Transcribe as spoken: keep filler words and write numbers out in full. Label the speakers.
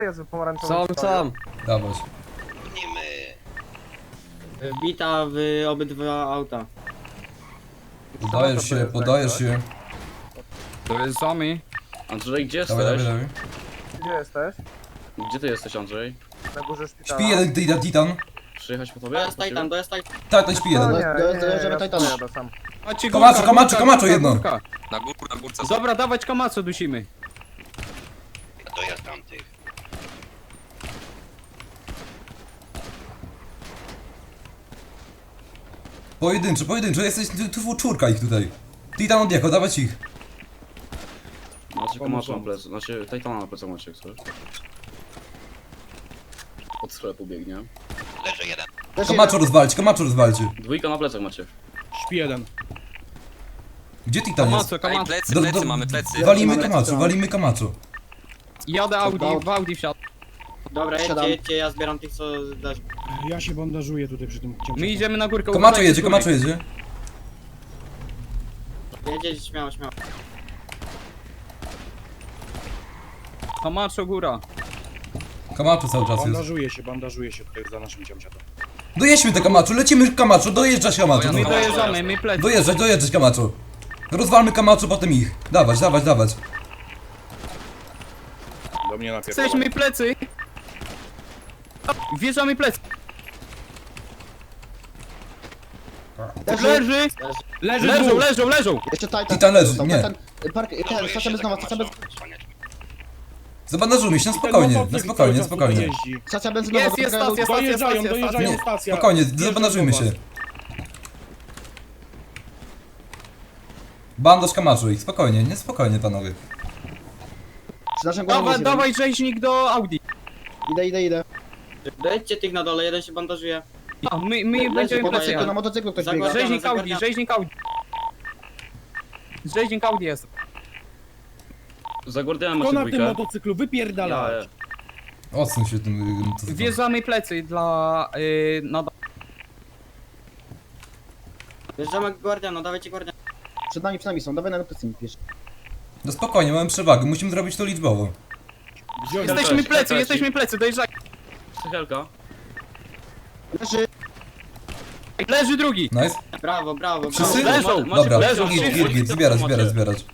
Speaker 1: Jest pomarańczowy.
Speaker 2: Są, są.
Speaker 3: Dawać.
Speaker 2: Wbita w obydwa auta.
Speaker 3: Podajesz się, podajesz się.
Speaker 4: To jest Zombie.
Speaker 5: Andrzej, gdzie
Speaker 3: Dawaj, dawaj,
Speaker 5: jesteś?
Speaker 3: dawaj.
Speaker 1: Gdzie jesteś?
Speaker 5: Gdzie ty jesteś, Andrzej?
Speaker 1: Na górze szpitala.
Speaker 3: Śpi jeden titan, titan.
Speaker 5: Przyjechać po tobie?
Speaker 2: Dojazd Titan, dojazd Titan.
Speaker 3: Tak, ten śpi
Speaker 1: No
Speaker 3: jeden.
Speaker 1: nie,
Speaker 6: Do-
Speaker 1: nie,
Speaker 6: dojeżdżamy
Speaker 1: ja
Speaker 6: Titana.
Speaker 1: jadę sam.
Speaker 4: Macie
Speaker 3: Kamacho,
Speaker 4: górka,
Speaker 3: Kamacho,
Speaker 4: górka,
Speaker 3: Kamacho,
Speaker 4: górka,
Speaker 3: jedno.
Speaker 4: górka.
Speaker 7: Na górę, na górce.
Speaker 4: Dobra, dawać Kamaco dusimy.
Speaker 7: Dojazd tamtych.
Speaker 3: Pojedynczo, pojedynczo, jesteś tu, tu czwórka ich tutaj. Titan odjechał, dawać ich.
Speaker 5: Macie komasza na plecy, znaczy Titana na plecach macie, co? Od sklepu biegnie.
Speaker 7: Leży jeden.
Speaker 6: Też
Speaker 3: Kamaczo rozwalcie, Kamaczo rozwalcie.
Speaker 5: Dwójka na plecach macie.
Speaker 4: Śpi jeden.
Speaker 3: Gdzie Titan jest?
Speaker 4: Kamaco,
Speaker 7: Ej,
Speaker 4: Kamaco.
Speaker 7: plecy,
Speaker 3: Do-
Speaker 7: plecy,
Speaker 3: do-
Speaker 7: mamy plecy.
Speaker 3: Walimy
Speaker 6: Mamy
Speaker 3: Kamaczo,
Speaker 6: plecy.
Speaker 3: walimy Kamaczo.
Speaker 4: Jadę Audi, w Audi wsiadł.
Speaker 2: Dobra,
Speaker 6: Siadam.
Speaker 2: jedźcie, jedźcie, ja zbieram tych, co dasz.
Speaker 8: Ja się bandażuję tutaj przy tym cięciu.
Speaker 4: My idziemy na górkę.
Speaker 3: Kamaczo
Speaker 4: uważajcie
Speaker 3: jedzie,
Speaker 4: z góry.
Speaker 3: Kamaczo jedzie.
Speaker 2: Jedziecie śmiało, śmiało.
Speaker 4: Kamacho góra.
Speaker 3: Kamaczo cały czas jest.
Speaker 8: Bandażuję się, bandażuję się tutaj za naszym cięciatem.
Speaker 3: Dojedźmy te Kamaczo, lecimy Kamaczo, dojeżdżać Kamaczo.
Speaker 4: My
Speaker 7: Dojazd.
Speaker 4: dojeżdżamy, my plecy.
Speaker 3: Dojeżdżać, dojeżdżać Kamaczo. Rozwalmy Kamaczo, potem ich. Dawać, dawać, dawać.
Speaker 8: Do mnie napierdala.
Speaker 4: Jesteśmy plecy. Wjeżdżamy plecy.
Speaker 6: Leży.
Speaker 4: Leży.
Speaker 8: Leży
Speaker 4: Leżą,
Speaker 8: dwóch.
Speaker 4: leżą, leżą.
Speaker 6: Jeszcze Titan.
Speaker 3: Titan leży,
Speaker 6: Został.
Speaker 3: nie.
Speaker 6: Titan, park, ten,
Speaker 7: Ładuje
Speaker 6: stacja
Speaker 7: się
Speaker 6: benzynowa,
Speaker 7: tak
Speaker 6: stacja benzynowa.
Speaker 7: masz, osłaniać.
Speaker 3: Zabandażujmy się, na
Speaker 8: Ten
Speaker 3: spokojnie, na
Speaker 8: motocykl
Speaker 3: spokojnie,
Speaker 8: cały czas tutaj
Speaker 3: spokojnie.
Speaker 8: jeździ.
Speaker 6: Stacja benzynowa.
Speaker 4: Jest, jest
Speaker 6: dobiega do-
Speaker 4: stacja, stacja,
Speaker 8: Dojeżdżają,
Speaker 4: stacja,
Speaker 8: dojeżdżają
Speaker 3: Nie,
Speaker 8: stacja.
Speaker 3: spokojnie,
Speaker 8: Wjeżdżam
Speaker 3: zabandażujmy
Speaker 8: do
Speaker 3: się.
Speaker 8: was.
Speaker 3: Bandaż Kamaczo ich, spokojnie, nie spokojnie panowie.
Speaker 6: Przy naszym głową
Speaker 4: Dawaj,
Speaker 6: jest
Speaker 4: dawaj rzeźnik do Audi.
Speaker 6: jeden. Idę, idę, idę.
Speaker 2: Dojedźcie tych na dole, jeden się bandażuje.
Speaker 4: A, my, my
Speaker 2: Leży
Speaker 4: będziemy
Speaker 2: po
Speaker 4: plecy.
Speaker 6: Motocyklu, na
Speaker 4: jechać.
Speaker 6: motocyklu ktoś
Speaker 2: Zagłada-
Speaker 6: biega.
Speaker 4: Rzeźnik Audi,
Speaker 2: Zagarnia.
Speaker 4: rzeźnik Audi. Rzeźnik Audi jest.
Speaker 5: Za Guardianem
Speaker 8: Kto
Speaker 5: macie
Speaker 8: na tym
Speaker 5: dwójkę.
Speaker 8: motocyklu? Wypierdala.
Speaker 5: Ja,
Speaker 3: Odsuń się tym... y, to-
Speaker 4: Wjeżdżamy plecy dla... Yy, na...
Speaker 2: Wjeżdżamy Guardiana, dawajcie Guardiana.
Speaker 6: Przed nami, przed nami są, dawaj na plecy, wiesz.
Speaker 3: No spokojnie, mamy przewagę, musimy zrobić to liczbowo.
Speaker 4: Jesteśmy plecy, jesteśmy plecy, dojeżdżaj.
Speaker 5: Sychelka.
Speaker 6: Leży.
Speaker 4: Leży drugi.
Speaker 3: Nice?
Speaker 2: Brawo, brawo, brawo.
Speaker 3: Wszyscy?
Speaker 4: Leżą,
Speaker 5: Macie
Speaker 3: Dobra,
Speaker 5: plecy,
Speaker 3: git,
Speaker 5: macie
Speaker 3: git, git,
Speaker 5: plecy,
Speaker 3: zbierać,
Speaker 5: macie.
Speaker 3: zbierać, zbierać.